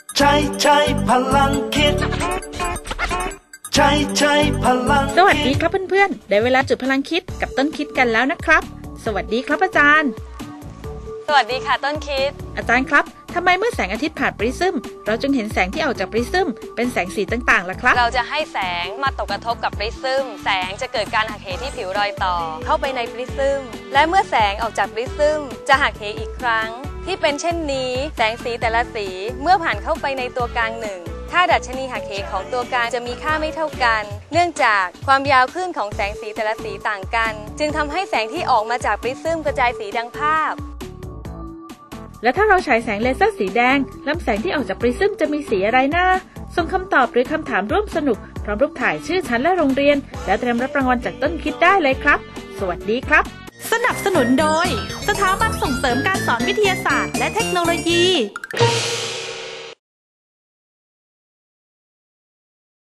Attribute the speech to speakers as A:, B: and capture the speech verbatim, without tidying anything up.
A: ใช้ใช้พลังคิดใช้ใช้พลังสวัสดีครับเพื่อนๆได้เวลาจุดพลังคิดกับต้นคิดกันแล้วนะครับสวัสดีครับอาจารย์
B: สวัสดีค่ะต้นคิด
A: อาจารย์ครับทำไมเมื่อแสงอาทิตย์ผ่านปริซึมเราจึงเห็นแสงที่ออกจากปริซึมเป็นแสงสีต่างๆล่ะครับ
B: เราจะให้แสงมาตกกระทบกับปริซึมแสงจะเกิดการหักเหที่ผิวรอยต่อเข้าไปในปริซึมและเมื่อแสงออกจากปริซึมจะหักเหอีกครั้งที่เป็นเช่นนี้แสงสีแต่ละสีเมื่อผ่านเข้าไปในตัวกลางหนึ่งค่าดัชนีหักเหของตัวกลางจะมีค่าไม่เท่ากันเนื่องจากความยาวคลื่นของแสงสีแต่ละสีต่างกันจึงทำให้แสงที่ออกมาจากปริซึมกระจายสีดังภาพ
A: และถ้าเราฉายแสงเลเซอร์สีแดงลำแสงที่ออกจากปริซึมจะมีสีอะไรนะส่งคำตอบหรือคำถามร่วมสนุกพร้อมรูปถ่ายชื่อชั้นและโรงเรียนและเตรียมรับรางวัลจากต้นคิดได้เลยครับสวัสดีครับ
C: สนับสนุนโดยสถาบันส่งเสริมการสอนวิทยาศาสตร์และเทคโนโลยี